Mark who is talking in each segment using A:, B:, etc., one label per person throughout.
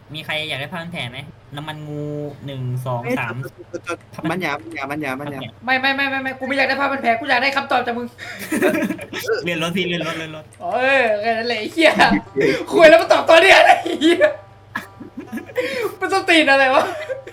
A: มีใครอยากได้ผ้าพันแผลไหมน้ำมันงู1 2 3ผ้าพัน
B: บัญญาบัญญาบัญญาบัญญา
A: ผ้าพันแผล
C: ไม่กูไม่อยากได้ผ้าพันแผลกูอยากได้คำตอบจากมึง
A: เรียนรถพี่เรียนรถเรียนรถ
C: เออแค่นั้นแหละไอ้เหี้ยคุยแล้วมาตอบตัวเนี้ยไอ้เหี้ยมันต้องตีนอะไรวะ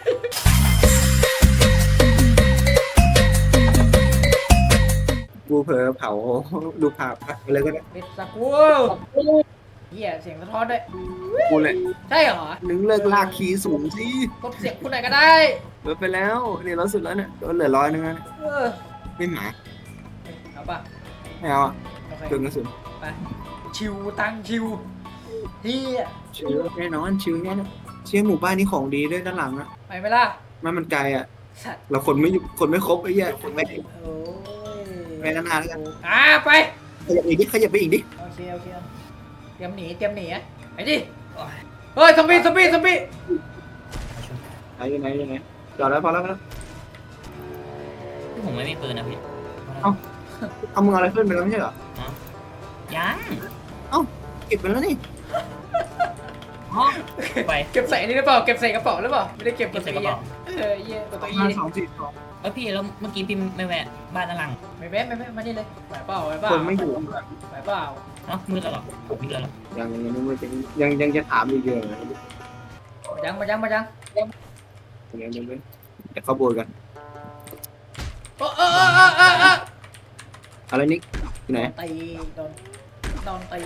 B: กูเผลอเผาดูภาพอะไรก็ได้
C: เบ็ดสักกูเหี้ยเสียงสะท้อนด้วย
B: กูเลย
C: ใช่เหรอ
B: นึงเลิกลากคีย์สูงสิ
C: กดเสียงคุณไหนก็ได้
B: ลดไปแล้วเนี่ยลดสุดแล้วเนี่ยลดเหลือ100นึงแล้วเนี่ย
C: เออ
B: ไม่หมา
C: เอาป่ะ
B: ไม่เอาอ่ะ
C: โอเค
B: เกินกระสุน
C: ไปชิวตังชิวเฮีย
B: ชิวแน่นอนชิวแน่นอนเชื่อหมู่บ้านนี้ของดีด้วยด้านหลังอ่ะ
C: ไปไหมล่ะ
B: มันไกลอ่ะ
C: สัตว์
B: เราคนไม่ครบไอ้เหี้ยคนไม่
C: โอ้ย
B: ไปนานๆแล้วกัน
C: ไป
B: ขยับอีกดิขยับไปอีกดิ
C: โอเคเตรียมหนีอ่ะไปดิเฮ้ยซอมบี้
B: ไปยังไงจอดแล้วพอแล้วนะ
A: ผมไม่มีปืนนะพี่
B: เอามึงเอาอะไรขึ้นไปแล้วไม่ใช่เหรอ
A: ยัง
B: เก็บไปแล้วนี่
A: อ๋อไป
C: เก็บใส่นี่หรือเปล่าเก็บใส่กระเป๋าหรือเปล่าไม่ได้เก็บ
A: เก็บใส่กระเป๋า
C: เหี้ยตัว
B: 5 2 4 2
A: พี่แล้วเมื่อกี้พี่ไม่แวะบ้านด้านหลัง
C: ไม่แม่มานี่เลยไหวเปล่า
B: คนไม่อยู่
C: ไหวเปล่า
A: เอ้ามืดแล้วเหรอมืดแล้วเหรอ
B: ยังจะถามอีกเยอะนะ
C: มายัง
B: ยังแต่เข้าโบยกัน
C: เออ
B: อะไรนิกที่ไหน
C: ตีโดนตี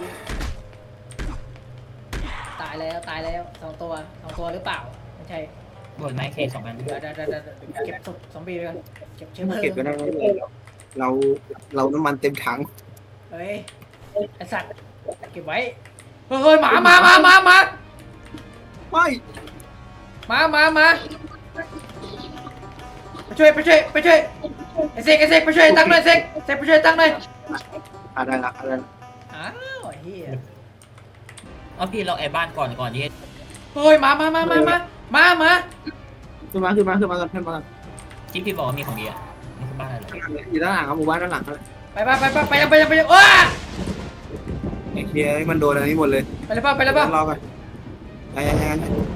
C: ตายแล้วสองตัวหรือเปล่าไม่ใช่
A: บนไม้เค2 อัน
C: เดี๋ยวเก็บศพซอมบี้ไปก่อนเก็บเชื้อเพลิง
B: เก็บก็ได้ไม่เป็นไรหรอกเราน้ำมันเต็มถัง
C: เฮ้ยไอสัตว์เก็บไว้เฮ้ยหมามา
B: ไม่
C: มาไปช่วยไอเสกไปช่วยตั้งหน่อยเสกไปช่วยตั้งหน่อย
B: ได้ละ
C: อ้าวเฮีย
A: เอาพี่เราแอบบ้านก่อนที่
C: เฮ้ยมา
B: ขึ้นมากัน
A: ที่พี่บอกว่ามีของดีอ่ะนี่คือบ้านอะไรเหรอ
B: อยู่ด้านหลังครับหมู่บ้านด้านหลังเลย
C: ไปว้า
B: ไอ้เคียมันโดนอะไรนี้หมดเลย
C: ไปเลยป่ะ
B: รอกันยัง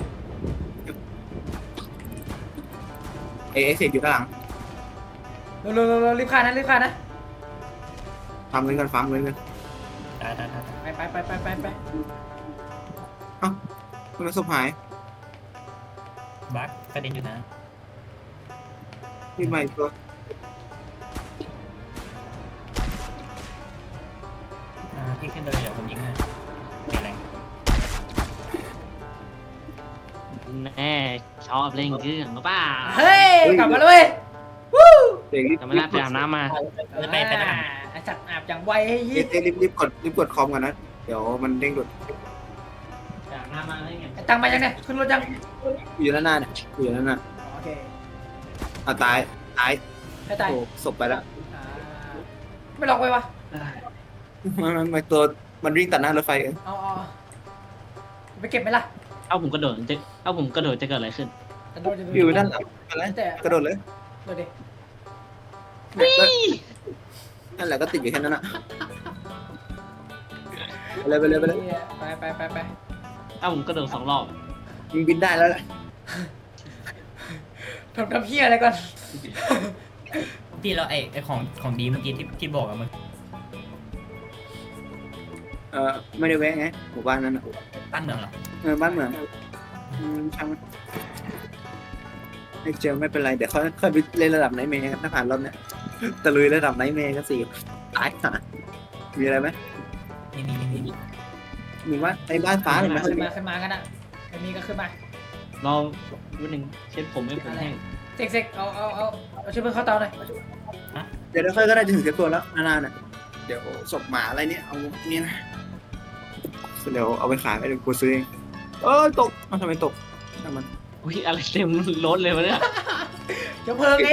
B: ไอ้เสกอยู่ด้านหลัง
C: เร็วรีบฆ่านะ
B: ฟาร์มเงินกัน
A: ตาย
C: ไป
B: คุณศพหาย
A: บั๊กกระเด็นอยู่นะ
B: นี่ใหม่ตัว
A: พี่ขึ้นเลยเดี๋ยวผมยิงให้ไม่แรง
D: แน่ชอบเล่นเครื่องหรือเปล่า
C: เฮ้ยกลับมาเลยวู้
B: เสก
D: จะไม่ได้ไปอาบน้ำมา
A: ไปทหาร
C: ไอสัตว์อาบอย่างไวให้ยี่
B: รีบกดคอมกันนะเดี๋ยวมันเด้งหลุด
D: ไปอาบน้ำมาได้ไง
C: ไอตังมายังเนี่ยขึ้นรถยัง
B: อยู่ด้านหน้าเนี่ยอยู่ด้านหน้า
C: โอเค
B: ตาย
C: ให้ตาย
B: โอ้ศพไปแล้ว
C: ไม่หลอกไปวะ
B: มันตัวมันวิ่งตัดหน้ารถไฟเอง
C: เอาไปเก็บไหมล่ะ
D: เอาผมกระโดดจะเกิดอะไรขึ้น
B: อยู่ด้านหลังอะไรกระโดดเลย
C: ดูดิ
B: นั่นแหละก็ติดอยู่แค่นั้นอ่ะไปเลย
C: ไป
D: เอาผมกระโดด2 รอบ
B: ยิงบินได้แล้วแหละ
C: ทำเพี้ยอะไรก่อน
A: พี่เราไอของดีเมื่อกี้ที่บอกอะมัน
B: ไม่ได้แวะไงหมู่บ้านนั้น
A: ตั้นเมืองเหรอ
B: บ้านเมืองช่างไม่เจอไม่เป็นไรเดี๋ยวค่อยไปเล่นระดับไนท์เมย์ถ้าผ่านรอบเนี้ยตะลุยระดับไนท์เมย์ก็4ตายค่ะมีอะไรไหม
A: นี่
B: มีว่าไอ้บ้านฟ้าเลยไหม
C: ขึ้นมากันอ่ะมีก็ขึ้นมา
D: รอวันหนึ่งเช็ดผมให้ผมแห้ง
C: เสกเอาช่วยเพื่อนเข้าเตาหน่อย
B: เดี๋ยวค่อยก็ได้จะถึงเซฟตัวแล้วนานๆน่ะเดี๋ยวศพหมาอะไรเนี่ยเอาเนี่ยนะเดี๋ยวเอาไปขายเดี๋ยวกูซื้อเองตกทำไมตกช่างมัน
D: อุ้ยอะไรเต็มรถเลยวะเนี่ย
C: เจ้าเพลิงไง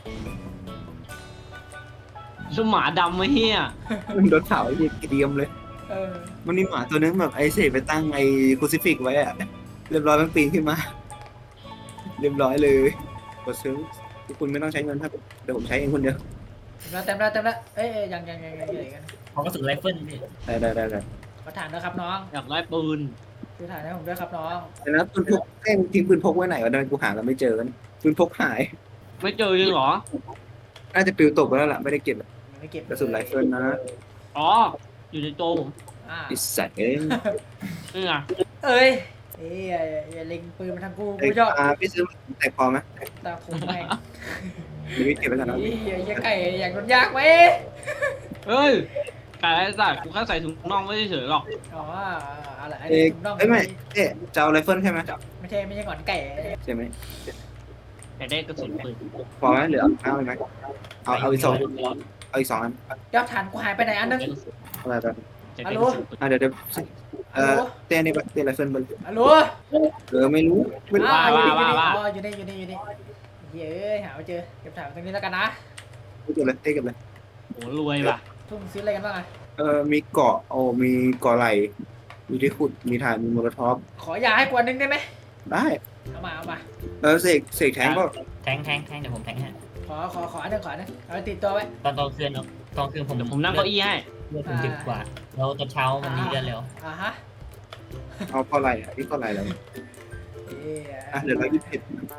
D: ลูกหมาดำไอ้เหี้ย
B: มันโดนเผาไอ้เหี้ยเกรียมเลย
C: เออ
B: มันมีหมาตัวนึงแบบไอ้เสกไปตั้งไอ้ครูซิฟิกไว้อะเรียบร้อยมันปีนขึ้นมา เรียบร้อยเลยกดซื้อทุกคุณไม่ต้องใช้เงินครับเดี๋ยวผมใช้เองคนเดียว
C: เต็มแล้วเอ้ยยังกัน
A: ของกระสุนไรเฟิลพี่
B: ได้
C: ขอถามนะครับน้อง
D: อยากได้ปืน
C: ซื้อถ่านให้ผมด้วยครับน้อง
B: แต่นะปืนพกเอ้ยมึงทิ้งปืนพกไว้ไหนวะเดินกูหากันไม่เจอกันปืนพกหาย
D: ไม่เจอจริงเหรอ
B: น่าจะปลิวตกไปแล้วล่ะไม่ได้เก็บ
C: ยังไม่เก็บ
B: กระสุนไรเฟิลนะ
D: อ๋ออยู่ในโจผม
C: อ่า
B: ไอิสัตว์เอ้ย
D: นี่ไง
C: เอ้ยอย่าเล็งปืนมาทางกู
B: ไอ้
C: กูชอบ
B: พี่ซื้อแต่พอไหม
C: ตาคุมแม่ง
B: หรือพี่เก็บไว้กันนะ
C: อย่าไก่อย่างโดนยากไหม
D: เฮ้ยไก่ไอ้สัตว์กูแค่ใส่ถุงน่องไม่เฉยๆหรอก
C: อ๋ออะไรอัน
B: เอ้
C: นี้
B: ย
C: ถุงน่อง
B: เอ้ยไม่เอ๊ะจะเอาไรเฟิลใช่ไหม
C: ไม่ใช่หงอนไก่
B: ใช่ไหม
D: แต่ได้กระสุนปืน
B: พอไหมเหลือเอาไหมเอาอีกสองเอาอีกสองอัน
C: ยอดฐานกูหายไปไหนอันนึง
B: อะไรแบบ
D: จะได้กระสุนปืน
B: เดี๋ยว
C: ฮัลโหล
B: เต้นนี่ปะเต้นไรเฟิลบน
C: ฮัลโหล
B: ไม่รู้ไม่รู้
C: อยู่นี่เฮ้ยหาไม่เจอเก็บถ่านตรงนี้แล้วกันนะ
B: ไม่เก็บเลยเต้เก็บเลย
D: โหรวยว่ะ
C: ทุ่มซื้ออะไรกันบ้างอะ
B: มีเกาะมีเกาะไหลมีที่ขุดมีถ่านมีโมโลท็อป
C: ขอยาให้กว่านึงได้ไหม
B: ได้
C: เอามา
B: เสกแทงก็
A: แทงเดี๋ยวผมแทงให้
C: ขออันนึงเอาไปติดตัวไว้
A: ตอนคืนผม
D: เดี๋ยวผมนั่งเก้าอี้ให้
A: เลือดผม10 กว่าแล้วตอนเช้ามันมีเลือดเร็ว
C: ฮะ
B: เอาเกาะไหลนี่เกาะไหลแล้วเหลือ127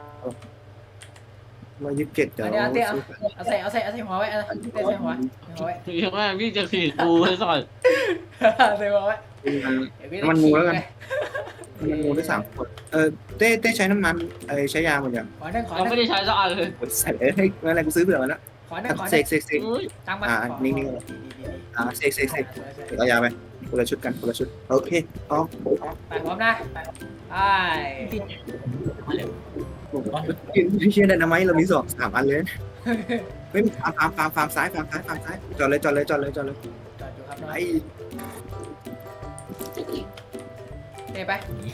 B: เดี๋ยว
C: อันนี้เอาใส่หัวไว้ใส่หัวไว้
D: ยังไงพี่จะขีดกูให้ก่อน
C: ใส่หัวไว้
B: มันงูแล้วกันมันงูได้3 คนเต้ใช้น้ำมันใช้ยาหมดยัง
C: ขอหนึ่ง
D: เราไม่ได้ใช้สักอันเลย
B: ใส่เฮ้ยอะไรกูซื้อเผื่อมาแล้ว
C: ขอหนึ่ง
B: เสก
D: เฮ้ย
C: ตั้งมา
B: นิ่งเสกเอายาไปคนละชุดกันคนละชุดโอเคเอา
C: ไปพร้อมนะไอ้
B: พี่เชื่อได้นะไหมเรามี3 อันเลยไม่ฟาร์มซ้ายจอดเลย
C: จอดอยู่ครับน้อง
B: ไอ้
C: เตะไป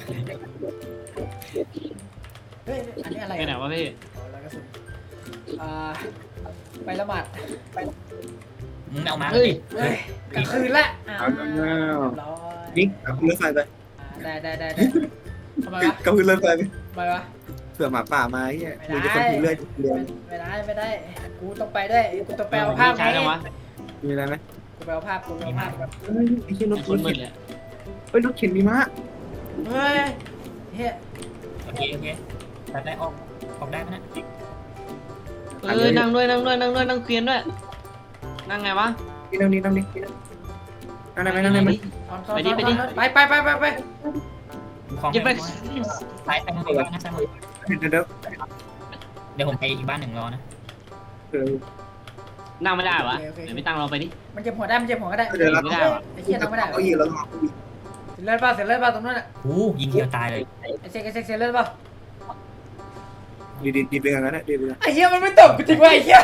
C: เฮ้ยอันนี้อะไร
D: ไปไหนวะพี่
C: แล้วกระสุนไปละหมาด
A: มึงเอามา
C: เฮ้ยกลางคืนละร้อย
B: นิกเอาเรือไฟไป
C: ได้ทำไมวะ
B: กับเรือไฟไป
C: ทำไมวะ
B: เผื่อหมาป่ามาไอ้เนี่ยมึงจะคนทิ้งเรื่อยเรือ
C: ไม่ได้กูต้องไปด้วยกูต้องไปเอาภาพ
D: ใช้แล้ววะ
B: มีอะไรไหม
C: กูไปเอาภาพ
B: ไอ้เชี่ยรถ
D: คนมื
B: เข็
D: ด
B: น
D: เลย
B: รถเข็นมีม้า
C: เฮ้ยเฮ้ย
A: โอเคไปได้ออกได้ไหมนะ
D: นั่งด้วยนั่งเกวียนด้วยนั่งไงวะ
B: นี่นั่งได้ไหม
C: ไป
A: ของ
D: ยิบไป
A: ซ้ายไปทางบ้านนะซ้ายมือ
B: เดี๋ยว
A: เดี๋ยวผมไปอีกบ้านหนึ่งรอนะ
D: นั่งไม่ได้วะเดี๋ยวไม่ตั้งเราไปดิ
C: มันเจ็บหัวได้
B: เดี๋ยวเรา
D: ไม่ได้วะ
C: ไอ้เหี้ยต้องไม่ได้
B: เอาอีกแล้ว
C: เสร็จเลือดป่ะตรงนั้นอ่ะ
A: ยิงเดียวตายเลย
C: ไอ้เซ็กเสร็จเลือดป่ะ
B: ดีไปกันนะดีไปกัน
C: ไอ้เหี้ยมันไม่ตกจริงว่ะไอ้เหี้ย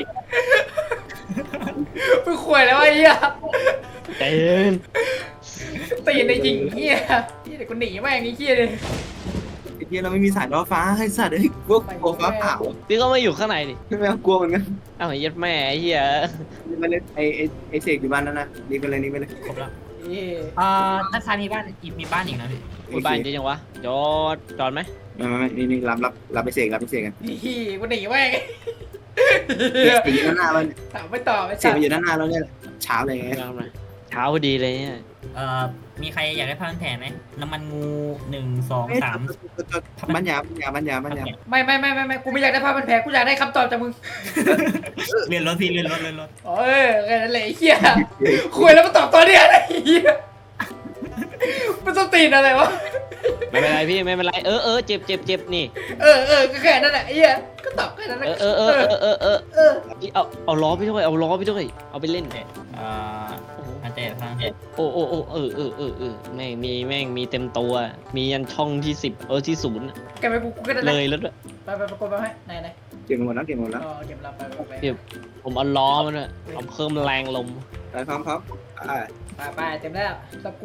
C: ไปข่วยแล้วไอ้เหี้ย
D: เต้น
C: ตีในจริงเหี้ยเดี๋ยวกูหนีแม่งไอ้เหี้ยเลย
B: ไอ้เหี้ยเราไม่มีสายล้อฟ้าให้สัตว์เฮ้ยพวกโอฟ้าเผา
D: พี่ก็ไม่อยู่ข้างในดิ
B: ไม่กลัวเหมือนกัน
D: อ้าวยัดแม่ไอ้เหี้ย
B: มาเล่นไอเสกอยู่บ้านนั่นนะนี่ไปเลย
A: ครบแล้ว
C: เอ้ย
A: ด้านซ้ายมีบ้านอีกนะพี่
D: มีบ้านจริงๆวะจอดไหม
B: ไม่นี่รับไปเสกกัน
C: นี่กูหนีแม่ง
B: เสกอยู่ด้านหน้าแล้วเนี่ย
C: ถามไม่ตอบไอ้
B: เสกอยู่ด้านหน้าแล้วเนี่ยเช้าเลยไง
D: เช้าพอดีเลยเนี่ย
A: มีใครอยากได้ผ้าพันแผลไหมน้ำมันงู1 2 3
B: บ้านยา
C: ไม่กูไม่อยากได้ภาพเป็นแผลกูอยากได้คำตอบจากมึง
A: เรียนรถพี่เรียนรถ
C: โอ้ยแค่นั้นแหละไอ้เหี้ยคุยแล้วมาตอบตัวเนี้ยไอ้เหี้ยมันต้องตีนอะไรวะ
D: ไม่เป็นไรพี่ไม่เป็นไรเจ็บนี่
C: ก็แค่นั้นแหละไอ้เหี้ยก็ตอบแค่นั้นแหละ
D: พี่เอาล้อพี่ด้วยเอาไปเล่น
A: อันเตะฟัง
D: โอ้แม่งมีเต็มตัวมียันช่องที่10ที่0
C: แกไปกูก็ได้
D: เลยแล้วด้วย
C: ไปกดไปให้ไหน
B: เก็บหมดแล้ว
C: เก็บลำไป
D: ผมเอาล้อมันด้วยเอาเพิ่มแรงลม
B: พร้อม
C: ไปเต็มแล้วสกู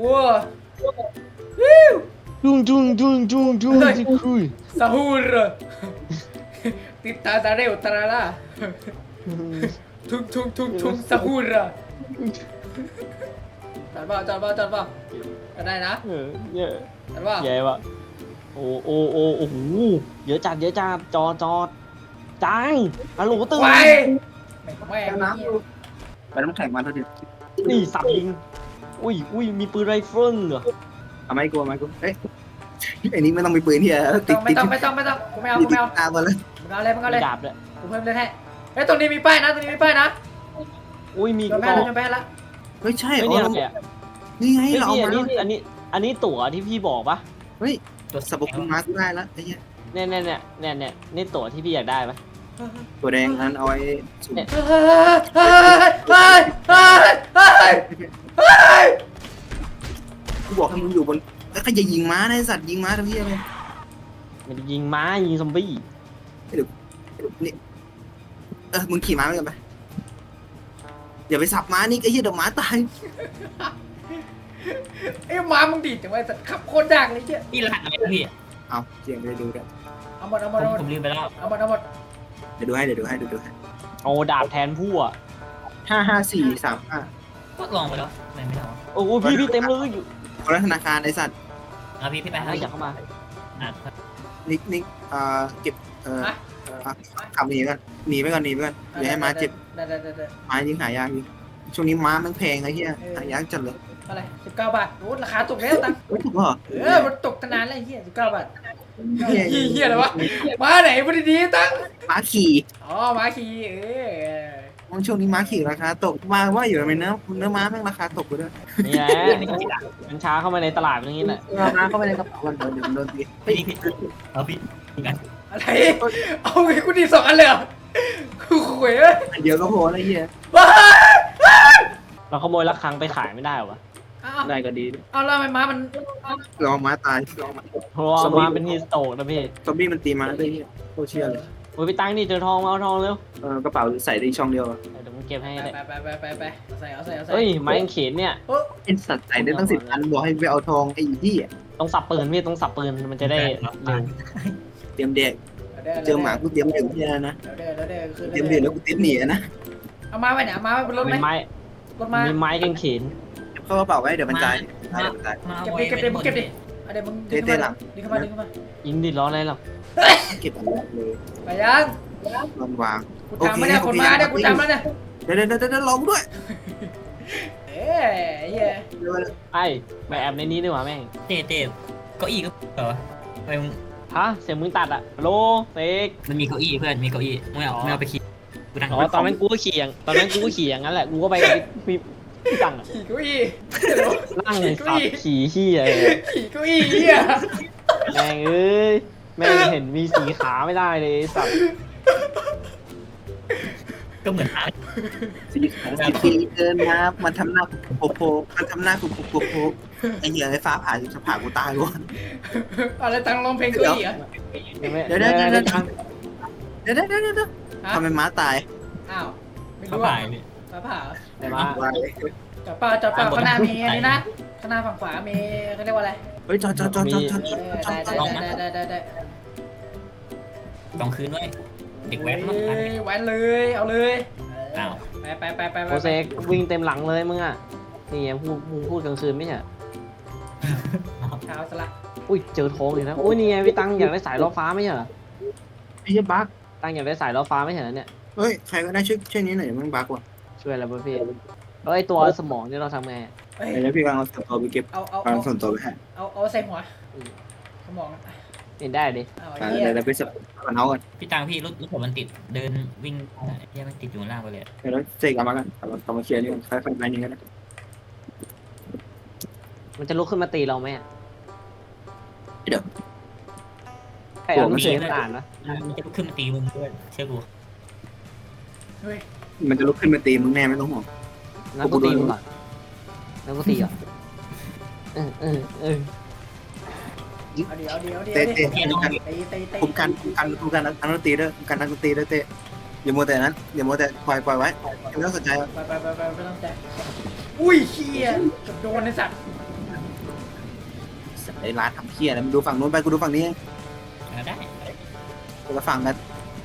D: จุงคุย
C: ซาฮูรติดตาเร็วตาล่าทุ่งซาฮูรจอดป่ะก็ได้นะ
D: เยอะ
C: จอดป่ะ
D: ใหญ่ปะโอ้โหเยอะจัดจอดจังฮัลโหลตื่น
C: ไป
B: น้ำไปน้ำแข็งมาเท่าเดิม
D: นี่สับยิงอุ้ยมีปืนไรเฟิลเหรอ
B: เอาไม้กูเอาไม้กูเอ้ยไอ้นี่ไม่ต้องมีปืนที่ติด
C: ไม่ต้องกูไม่เอากูไม่เอา
B: ตาบอลเลย
C: มึงเอาเลยมึงเอาเลย
D: ดาบเลย
C: กูเพิ่มเลยให้เฮ้ยตรงนี้มีป้ายนะตรงนี้มีป้ายนะ
D: อุ้ยมี
C: โยน
D: ก็
C: แม่แล้วโยนแม่ละ
B: ไม่ใช่
D: ไม่
B: อ๋อ
D: เนี่ย
B: นี่ไง
D: พี่
B: เราเอา
D: อั
B: มาน
D: นี้ตั๋วที่พี่บอกปะ
A: ตัว
B: สับปะรดมากูได้แล้วไอ้เหี้ย
D: เนี่ยนี่ตั๋วที่พี่อยากได้ปะ
B: ตัวแดงนั้นเอาไว้สุ่ม
C: เฮ้ย
B: กูบอกให้มึงอยู่บนแล้วก็อย่ายิงม้านะไอ้สัตว์ยิงม้าทำเหี้ยเลย
D: มันยิงม้ายิงซอมบี้
B: นี่มึงขี่ม้าไปกันไปอย่าไปสับม้านี่ไอ้เหี้ยเดี๋ยวม้าตาย
C: ไอ้หมามึงดีดจังไว้สัตว์ขับโคตรยากเลยเจ้
A: พี่รหัสอะไรพี่
B: เอาเสียงไปดูกัน
C: เอาหมดเอาหมดเอาหมด
A: ผมลืมไปแล้ว
C: เอาหมดเอาหมด
B: เดี๋ยวดูให้เดี๋ยวดูให้
D: โอ้ดาบแทนผู้อ่ะ
B: 5543
A: ก็ลองไปแล้วไม่ได้
D: โอ้พี่เต็มเลยอยู่
B: คนละธนาคารไอ้สัตว์
A: เอาพี่ไป
D: อยากเข้ามา
B: นิกเก็บขับหนีกันหนีไปก่อนอย่าให้ม้าเจ็บ
C: ได้
B: ม้ายิงหายากอยู่ช่วงนี้ม้ามันแพงไอ้เหี้ยหายากจัดเลย
C: อะไร19 บาทโอ้ราคาตกแล้วตัง
B: ไม่ถูกเหรอ
C: มันตกตั้งนานแล้วเฮีย19 บาทเฮียอะไรวะมาไหนพอดีตัง
B: ม้าขี่
C: อ๋อมาคี
B: ช่วงนี้ม้าขี่ราคาตกมาว่าอยู่ในเนื้อม้าแม่งราคาตกไปด้วย
D: นี่แหละมันช้าเข้ามาในตลาดอย่างนี้แหละ
B: ม้าเข้าไปในกระเป๋าวันเดี๋ยวโดนตี
A: พี่เอาพี่กัน
C: อะไรเอาไงกูดี2 อันเลยเหรอกูขวยเลย
B: เดี๋ยวก็พอไอ้เหี้ย
C: ว้า
D: เราขโมยละครั้งไปขายไม่ได้วะ
B: ได้ก็ดี
C: เอาแล้วทำไมม้ามัน
B: ลองม้าตาย
D: เพราะว่ามาเป็นฮีสโตกนะพี่
B: ซอมบี้มันตีม้าได้เหี้ยโคตรเชื่อเลย
D: โอ้ยไปตั้งนี่เจอทองมาเอาทองเร็ว
B: กระเป๋าใส่ได้ช่องเดียว
D: เดี๋ยวมึงเก็บให้ได้
C: ไปเอาใส่
D: เฮ้ยไม้กางเขนเนี่ย
B: ไอ้สัตว์ใส่ได้ตั้ง10 อันบอกให้ไปเอาทองไอ้ที่
D: ต้องสับปืนพี่ต้องสับปืนมันจะได้เร็ว
B: เตรียมเด็กเจอหมากูเตรียมเด็กที่นั่นนะ
C: เดี๋ยวคือ
B: เตรียมเด็กแล้วกูเตรียมหนีนะ
C: เอามาไว้เนี่ยเอามาไว้บนรถไหม
D: มีไม้
C: รถมา
D: มีไม้กางเขน
B: เข้ากระเป๋าไว้เดี๋ยวมันตาย
C: เก็บดิมึงเก็บดิเดี๋ยวมึงดึงเข้ามา
D: ยิงดิล้ออะไรหรอก
B: เก็บอะไรเลย
C: ไปยัง
B: ลองวาง
C: กูจำไม่ได้คนมาเนี่ยกูจำแล้วเนี่ย
B: เดี๋ยวลองด้วย
C: เอ้ยเหี้ย
D: ไอ้ไปแอบในนี้ดีกว่าแม่ง
A: เต้เก้าอี้ก็เหรอไอ้
D: ฮะเสียงมึงตัดอะโลเฟก
A: มันมีเก้าอี้เพื่อนมีเก้าอี้ไม่เอาไปคิดกูนั่ง
D: อ๋อตอนนั้นกูก็ขี่อย่างนั้นแหละกูก็ไปกับพี่ตังอะ
C: ขี่เก้าอี้
D: นั่งสับขี่ขี้อะไร
C: ขี่เก้าอี้เหี้ย
D: แม่งเอ้ยแม่งเห็นมีสีขาไม่ได้เลยสับ
A: ก็เหมือนอา
B: สีเดินมามันทำหน้าโผล่มันทำหน้าโผล่ไอ้เหี้ยไอ้ฟ้าผ่าจะผ่ากูตายกู
C: อะไรตังร้องเพลงเก้าอี้เหรอ
B: เดี๋ยวทำไมม้าตาย
C: อ้าวไม่
A: เขา
C: รู้
A: ผ่า
C: อ่ะ
A: ยพี่
C: ฟ้าผ่า
D: แต่ว่า
C: จอดเปล่าข้างหน้ามีอันนี้นะข้างหน้าฝั่งขวามีเขาเรียกว่าอะไร
B: เฮ้ยจอด
C: ได้
A: ต้องคืนด้วยเด็กแว้น
C: แว้นเลยเอาเลย
A: อ้าว
C: ไป
D: โอเซกวิ่งเต็มหลังเลยมึงอะนี่ไงพูดกลางคืนไม่ใช่
C: เท้าสละ
D: อุ้ยเจอทองอีกแล้วอุ้ยนี่ไงพี่ตังอยากได้สายล้อฟ้าไม่ใช่เหรอ
B: ไอ้เหี้ยบั๊ก
D: ตังอยากได้สายล้อฟ้าไม่ใช่เหรอเนี่ย
B: เฮ้ยใครก็ได้ช่วยนี้หน่อยมึงบั๊กว่ะ
D: ช่วยอะไรบ้างพี่เอ้ยตัวสมองนี่เราทำไง
B: เดี๋ยวพี่กำลังเอาส่วนตัวไปเก็บ
C: เอา
B: กำลังส่วนตัวไปให้
C: ใส่หัวสมอง
D: เห็นได้ดิ
C: เอา
B: เดี๋ยวไปสับกันเอากัน
A: พี่ตังพี่รถผมมันติดเดินวิ่งยังมันติดอยู่ล่างไปเลย
B: เดี๋ยวเสกเอามากันเอามาเคลียร์นี่ค่อยๆไปนี่กัน
D: มันจะลุกขึ้นมาตีเราไหมอะ
B: เดี๋ยว
D: ใครเอาลูกเสืออ่านนะ
A: มันจะขึ้นมาตีมึงด้วยเชื่อกู
C: เฮ้ย
B: มันจะลุกขึ้นมาตีมึงแน่ไม่ต้องห่วง
D: นั่นก็ตีมึงก่อนนั่นก็ตีก่อนเออ
C: เอาเดี๋ยว
B: เตะ
C: ตี
B: คุมกันนักดนตรีด้วยกันนักดนตรีด้วยเตะอย่ามัวแต่นั้นอย่ามัวแต่ปล่อยไว้ไม่ต้องสนใจ
C: ไปไม่ต้องใจอุ้ยเฮียกับโดนไอ้สัตว์
B: ไอ้ร้านทำเพี้ยนะมันดูฝั่งนู้นไปกูดูฝั่งนี้
A: ได้
B: คนละฝั่งกัน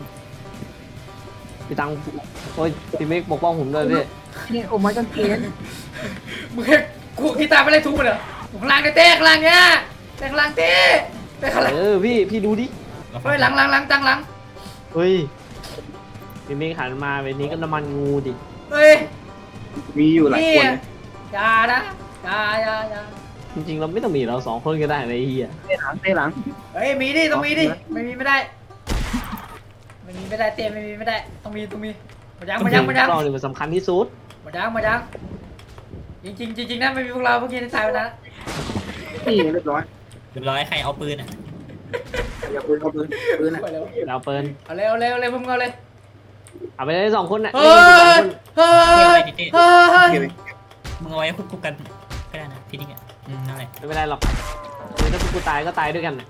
D: พี่ตังโอ้ยพี่เมกปกป้องผมด้วยพี่
B: นี่โอ้ไม่กันเกณฑ์
C: มึงแค่กูกีตาร์ไปไล่ทุบมันเหรอข้างล่างเต้ข้างล่างเนี้ยเต้ข้างล่างเต้ข้างล่าง
D: พี่ดูดิ
C: เฮ้ยหลังตั้งหลัง
D: เฮ้ยพี่เมกหันมาเวนี้ก็น้ำมันงูดิ
C: เฮ้ย
B: มีอยู่หลายคน
C: อย่านะอย่า
B: ม
D: จริงๆเราไม่ต้องมีเราสองคนก็ได้เลยไอ้เฮีย
B: เตะหลังเตะหลัง
C: เฮ้ยมีดิต้องมีดิไม่มีไม่ได้ไม่มีไม่ได้เต้ไม่มีไม่ได้ต้องมีหมดยัง
D: เราเนี่ยมันสำคัญที่สุด
C: หมดยังจริงนะไม่มีพวกเราเมื่อกี้ในตายไปแล้ว
B: นี่เรียบร้อย
A: เรียบร้อยใครเอาปืนอ่ะ
B: อย่าปืนเอาปืนปืนอ่ะ
C: ไปแล้ว
D: เราเปิน
C: เอาเลยมึงเอาเลย
D: เอาไปเลยสองคนน่ะ
C: เฮ้
D: เล่นกันสองคน
C: ยเฮ้ย
B: เก็บไป
A: มึงเอาไว้ควบกันก็ได้นะที่นี่อ่ะนั่นแหละ
D: ไม่เป็นไรหรอกคือถ้ากูตายก็ตายด้วยกันน่ะ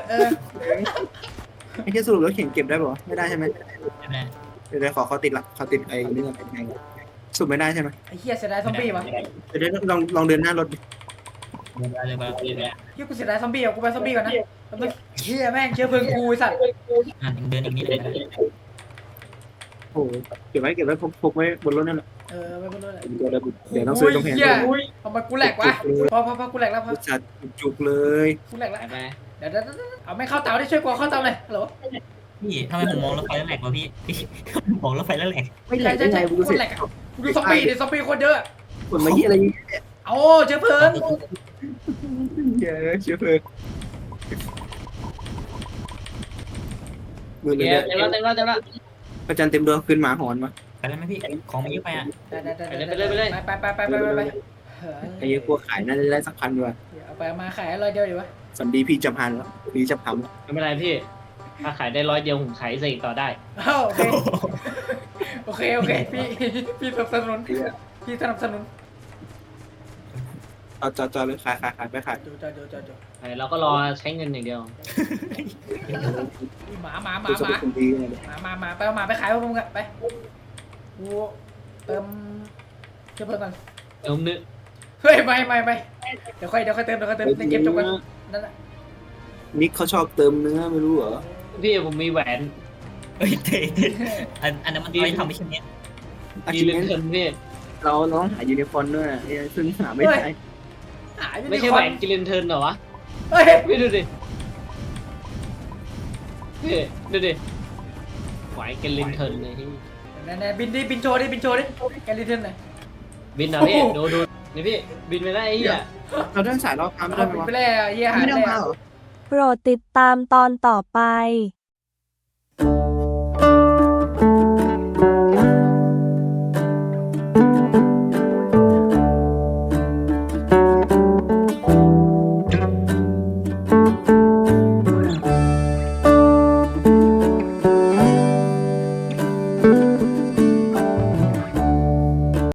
B: ไอ้แค่สรุปแล้วเข็งเก็บได้ป่าวไม่ได้ใช่ไหม
A: ใช่ไหม
B: เดี๋ยวขอติดละขอติดไอ้นี่ก่อนไงสรุปไม่ได้ใช่ไหม
C: ไอ้เหี้ยเสียดายซอมบี้วะ
B: เดี๋ยวลองเดินหน้ารถดิ
A: เลยมาเลย
C: เหี้ยกูเสียดายซอมบี้อ่ะกูไปซอมบี้ก่อนนะเหี้ยแม่งเชื้อเพลิงกูไอ้สัตว์
A: เดินอีกนิดเลย
B: โอ้โหเก็บไว้พกไว้บนรถนั่นแหละ
C: ไม่รู้เลย
B: เดี๋ยวต้องซื้อกำแพง
C: เหี้ยทำไมกูแหลกวะพอกูแหลกแล้วพอ
B: จัดจุกเลย
C: กูแหลกแล้ว
D: ไป
C: เดี๋ยวเอาไม่เข้าเตาได้ช่วยกูเข้าเตาเลยฮัลโหล
A: พี่ทำไมผมมองรถไฟแล้วแหลกวะพี่มองรถไฟแล้วแหลก
B: ไม่แหลกได้ไงกู
C: กู
B: เสร็จ
C: แหลกกูดูซอมบี้ดิซอมบี้คนเยอะ
B: คนมาเยี่ยอะไรเงี้ย
C: เอาเชื้อเพลิง
B: เยอะเชื้อเพลิงมือเลย
D: เต็มแล้ว
B: ประจันเต็มดวงคืนหมาหอนมา
A: ไปได้ไหมพี่ของมันเยอะไปอ่ะ
C: ไป
B: ไอ้กลัวขายน่าจะได้สักพันด้วย
C: เอาไปมาขายร้อยเดียวดีวะ
B: สันดีพี่จะพันแล้วพี่จะพัน
D: ไม่เป็นไรพี่ถ้าขายได้100 เดียวผมขายเสกต่อได้
C: โอเคพี่สนับสนุนพี่สนับสนุน
B: จอเลยขายไปขาย
C: ดู
D: เราก็รอใช้เงินอย่างเดียว
C: หมา
B: ดูสมุดคนดีเลย
C: มาไปเอาหมาไปขายพวกมึงอะไปกูเติมเชื้อเพลิงก่อน
D: นึก
C: เฮ้ยไม่เดี๋ยวค่อยเติมในเกมจบกันนั่นแหละ
B: นิกเขาชอบเติมเนื้อไม่รู้เหรอ
D: พี่ผมมีแหวน
A: เฮ้ยเตะอันนั้นมันไว้ทำไม่ใช่เนี้ย
B: อา
D: มี
B: ชีพ
D: เงิน
B: นี้
D: เงินพี่
B: เราต้องหายูนิฟอร์มด้วยซึ่งหาไม่ได้
D: ไม่ใช่แหวนกิเลนเทิร์นเหรอวะ
C: เฮ้ย
D: พี่ดูดิพี่ดูดิแหวนกิเลนเทิร์นเลยพี่
C: นั่นบินโชว์ดิแกลิเทนหน่อย
D: บินนะพี่ดูนี่พี่บินไปได้ไอ้เหี้ย
B: เราได้สายรอบค้าไม่ได้ไหมวะ
C: ไปแล้วเยี่ยหา
B: ไม่ได้
C: แล้ว
B: มาเหรอ
E: โปรดติดตามตอนต่อไป